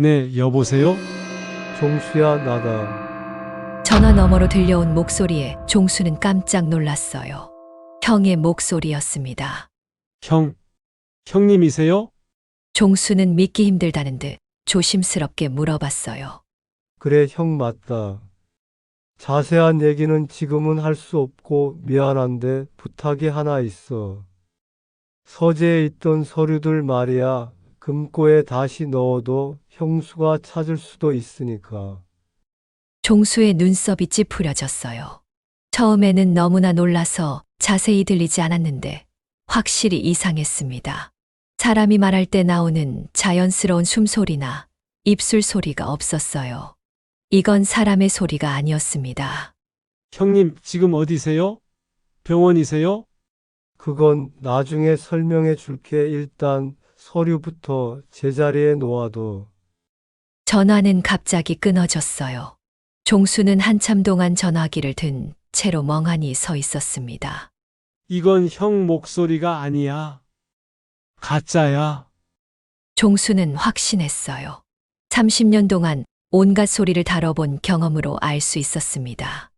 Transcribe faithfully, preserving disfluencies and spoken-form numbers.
네, 여보세요? 종수야, 나다. 전화 너머로 들려온 목소리에 종수는 깜짝 놀랐어요. 형의 목소리였습니다. 형, 형님이세요? 종수는 믿기 힘들다는 듯 조심스럽게 물어봤어요. 그래, 형 맞다. 자세한 얘기는 지금은 할 수 없고 미안한데 부탁이 하나 있어. 서재에 있던 서류들 말이야. 금고에 다시 넣어도 형수가 찾을 수도 있으니까. 종수의 눈썹이 찌푸려졌어요. 처음에는 너무나 놀라서 자세히 들리지 않았는데 확실히 이상했습니다. 사람이 말할 때 나오는 자연스러운 숨소리나 입술 소리가 없었어요. 이건 사람의 소리가 아니었습니다. 형님, 지금 어디세요? 병원이세요? 그건 나중에 설명해 줄게. 일단 서류부터 제자리에 놓아둬. 전화는 갑자기 끊어졌어요. 종수는 한참 동안 전화기를 든 채로 멍하니 서 있었습니다. 이건 형 목소리가 아니야. 가짜야. 종수는 확신했어요. 삼십 년 동안 온갖 소리를 다뤄본 경험으로 알 수 있었습니다.